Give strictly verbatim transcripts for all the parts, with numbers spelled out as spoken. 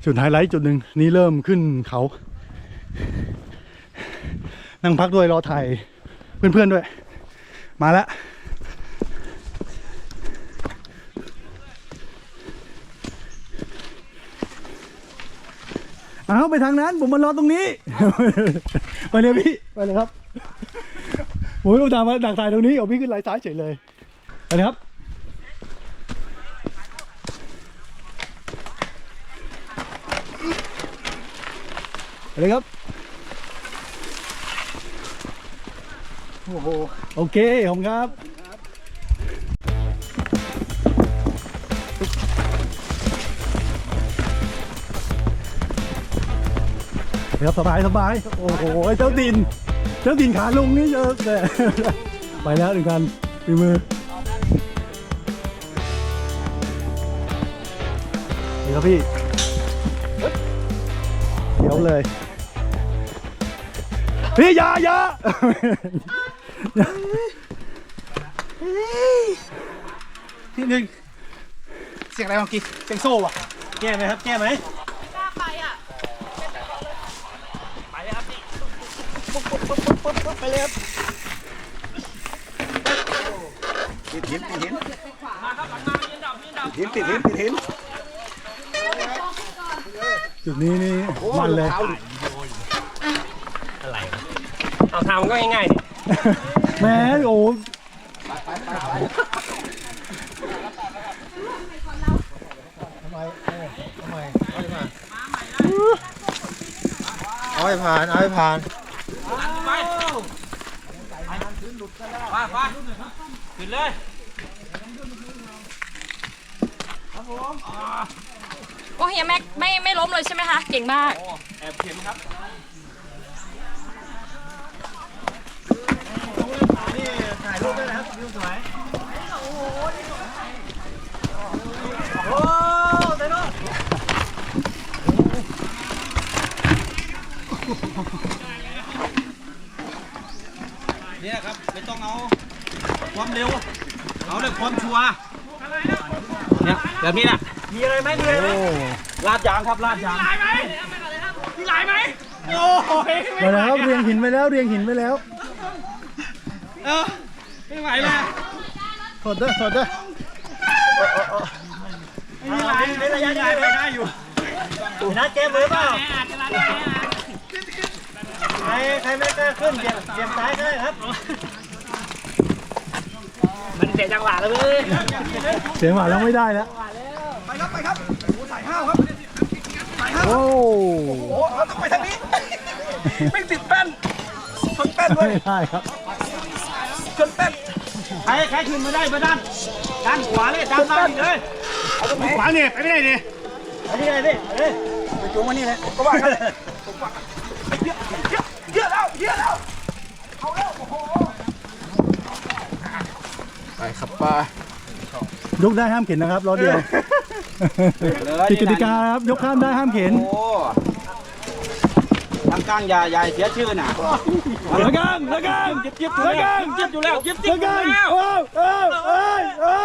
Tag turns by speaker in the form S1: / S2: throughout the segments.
S1: จุดไฮไลท์จุดหนึ่งนี่เริ่มขึ้นเขานั่งพักด้วยรอถ่ายเพื่อนๆด้วยมาแล้วเอาไปทางนั้นผมมารอตรงนี้ ไปเลยพี่ไปเลยครับผมอุตส่าห์มาดักถ่ายตรงนี้เอาพี่ขึ้นไหลซ้ายเฉยเลยไปเลยครับไปเลยครับโอ้โหโอเคขอบคุณครับเดี๋ยวสบายสบายโอ้โหเจ้าดินเจ้าดินขาลงนี่เยอะเลยไปแล้วหนึ่งกันฝีมือนี่ครับพี่เดี๋ยวเลยพี่ยายาที่หนึ่งเสียงอะไรเมื่อกี้เสียงโซ่อะแก้ไหมครับแก้ไหมไปเลยครับปิดหินปิดหินหินปิดหินปิดหินจุดนี้นี่มันเลย
S2: อะไรเอาทำก็ง่ายๆ
S1: แม่โอ้
S3: เอาให้ผ่านเอาให้ผ่าน
S2: ไปไปไปขึ้นเลย
S4: โอ้เฮียแม็กไม่ไม่ล้มเลยใช่ไหมคะเก่งมาก
S2: แอบเข็มครับ
S3: นี่ถ่ายรูปได้นะครับวิวสวยโอ้เต้น
S2: นี่ครับไม่ต้องเอาความเร็วเอาแต่ความชัวร์เนี่ยแบบนี้นะมีอะไรไหมมีอะไรไหมลาดยางครับลาดยางมีลายไหมมีลายไหมโอ้ย
S1: ไปแล้วเรียงหินไปแล้วเรียงหินไปแล้ว
S2: เออไม่ไหวเลย
S1: ถอดได้ถอดได้
S2: ไม่มีลายไม่ระยะยาวไปได้อยู่
S3: นัดเกมเลยเปล่าใครใครไม่กล้าขึ้นเสียบเสียบซ้ายได้ครับ
S2: มันเสียจังหวะเลยเว้ย
S1: เสียงหวานแล้วไม่ได้แล้ว
S3: ไปครับไปครับโอ้สายห้าวครับสายห้าว
S1: โอ้
S3: โหเราต้องไปทางนี้ไม่ติดแป้นชนแป้นด้วย
S1: ไม่ได้ครับ
S3: ชนแป้น
S2: ใครใครขึ้นมาได้มาด้านด้านขวาเลยด้านล่างเลยเอาตรงขวาเนี่ยไปไม่ได้เนี่ย
S3: ไปที่ไหนดิไปจูงมานี่เลยก็ว่ากันเยอะเยอะเยอะแล้วเยอะแล้วเอาแล้วโอ้โหไปครับป้
S1: ายกได้ห้ามเข็นนะครับล้อเดียวติดกติกาครับยกข้ามได้ห้ามเข็น
S2: ทางกลางอย่าอย่าเสียชื่อน่ะ
S1: ละกังละกัง
S2: เจ็บเจ็บอยู่แล้วเจ็บอยู่แล้วเจ็บเจ็บอยู่แล้ว
S1: โอ้โอ้โอ้โอ้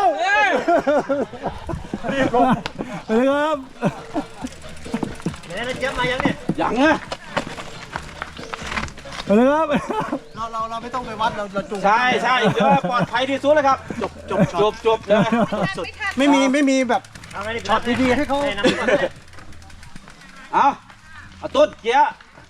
S1: รีบลงไปเลยครับ
S3: เดี๋ยวนะเจ็บมายังเนี่ย
S2: ยังอ่ะ
S1: ไปเลยครับ
S3: เราเราเราไม่ต้องไปวัดเราเราจูง
S2: ใช่ใช่เดี๋ยวปลอดภัยที่สุดเลยครับจบจบจบจบเลย
S3: ไม่มีไม่มีแบบช็อตดีๆให้เขา
S2: เอาเอาต้นเกียร์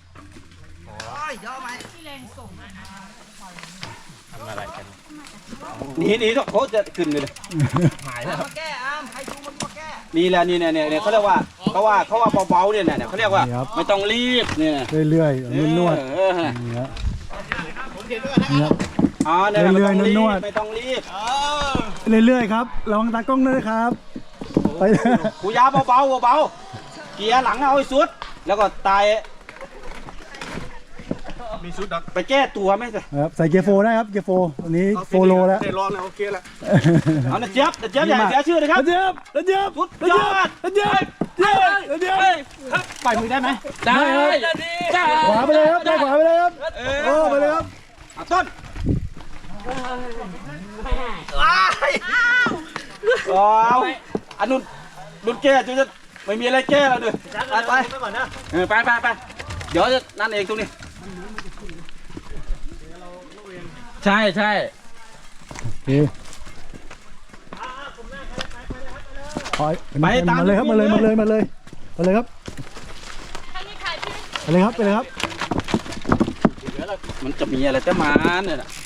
S2: หนีหนีต้องโคตรจะขึ้นเลยหายแล้วแก้อ้ามใครจูงมันมาแก้นี่แหละนี่เนี่ยเนี่ยเขาเรียกว่าเขาว่าเขาว่าเบาๆเนี่ยเนี่ยเขาเรียกว่าไม่ต้องรีบเนี่ย
S1: เรื่อยๆนวดๆเนี่ย
S2: อ๋อเนี่ยไม่ต้องรีบไม่ต้องรีบ
S1: เรื่อยๆครับระวังตากล้องด้วยครับไป
S2: กูยาเบาๆเบาๆเกียร์หลังเอาให้สุดแล้วก็ตาย
S3: มีชุดดัก
S2: ไปแก้ตัวไหมสิ
S1: ครับใส่เกียร์โฟได้ครับเกียร์โฟวันนี้โฟโลแล้ว
S3: เตะร้อนแล้วโอเคแล้ว
S2: เอาเจี๊ยบเจี๊ยบใหญ่เสียชื่อเลยครับ
S1: เจี๊ยบเจี๊ยบ
S2: สุดยอด
S1: เจี๊ยบเจี๊ยบเจี๊ยบ
S2: ปล่อยมือได้ไหม
S1: ได้ครับขวาไปเลยครับได้ขวาไปเลยครับโอ้ไปเลยครับ
S2: ต้นว้ายอ๋ออันนู้นนุ่นแก่จะจะไม่มีอะไรแก้แล้วด้วยไปไป
S3: ไปก่อนนะ
S2: เออไปไปไปเดี๋ยวจะนั่นเองตรงนี้ใช่ใช่
S1: โอเคไปมาเลยครับมาเลยมาเลยมาเลยมาเลยครับ
S4: ถ้ามีใครที่
S1: ไปเลยครับไปเลยครับ
S2: มันจะมีอะไรจะมาเนี่ยนะ